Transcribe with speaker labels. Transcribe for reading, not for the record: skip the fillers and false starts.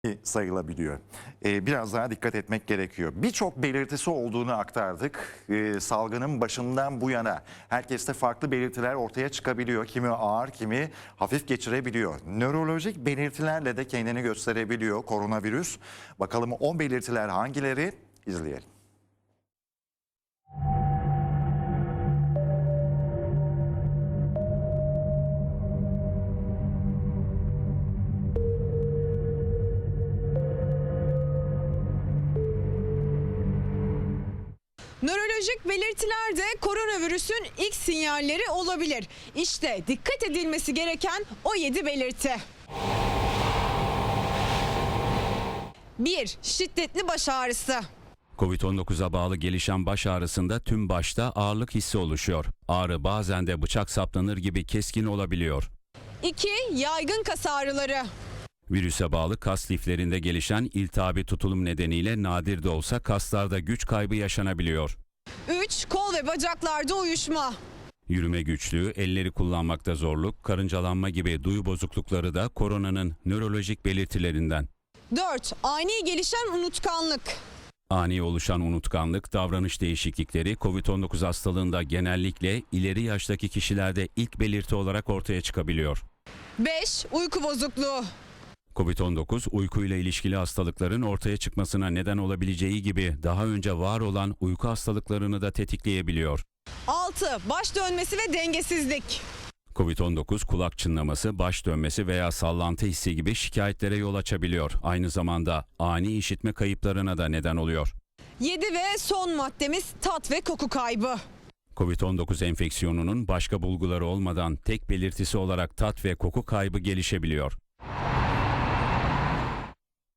Speaker 1: sayılabiliyor. Biraz daha dikkat etmek gerekiyor. Birçok belirtisi olduğunu aktardık. Salgının başından bu yana herkeste farklı belirtiler ortaya çıkabiliyor. Kimi ağır, kimi hafif geçirebiliyor. Nörolojik belirtilerle de kendini gösterebiliyor koronavirüs. Bakalım o belirtiler hangileri? İzleyelim.
Speaker 2: Nörolojik belirtiler de koronavirüsün ilk sinyalleri olabilir. İşte dikkat edilmesi gereken o 7 belirti. 1. Şiddetli baş ağrısı.
Speaker 3: Covid-19'a bağlı gelişen baş ağrısında tüm başta ağırlık hissi oluşuyor. Ağrı bazen de bıçak saplanır gibi keskin olabiliyor.
Speaker 2: 2. Yaygın kas ağrıları.
Speaker 3: Virüse bağlı kas liflerinde gelişen iltihabi tutulum nedeniyle nadir de olsa kaslarda güç kaybı yaşanabiliyor.
Speaker 2: 3. Kol ve bacaklarda uyuşma.
Speaker 3: Yürüme güçlüğü, elleri kullanmakta zorluk, karıncalanma gibi duyu bozuklukları da koronanın nörolojik belirtilerinden.
Speaker 2: 4. Ani gelişen unutkanlık.
Speaker 3: Ani oluşan unutkanlık, davranış değişiklikleri Covid-19 hastalığında genellikle ileri yaştaki kişilerde ilk belirti olarak ortaya çıkabiliyor.
Speaker 2: 5. Uyku bozukluğu.
Speaker 3: Covid-19 uykuyla ilişkili hastalıkların ortaya çıkmasına neden olabileceği gibi daha önce var olan uyku hastalıklarını da tetikleyebiliyor.
Speaker 2: 6. Baş dönmesi ve dengesizlik.
Speaker 3: Covid-19 kulak çınlaması, baş dönmesi veya sallantı hissi gibi şikayetlere yol açabiliyor. Aynı zamanda ani işitme kayıplarına da neden oluyor.
Speaker 2: 7 ve son maddemiz tat ve koku kaybı.
Speaker 3: Covid-19 enfeksiyonunun başka bulguları olmadan tek belirtisi olarak tat ve koku kaybı gelişebiliyor.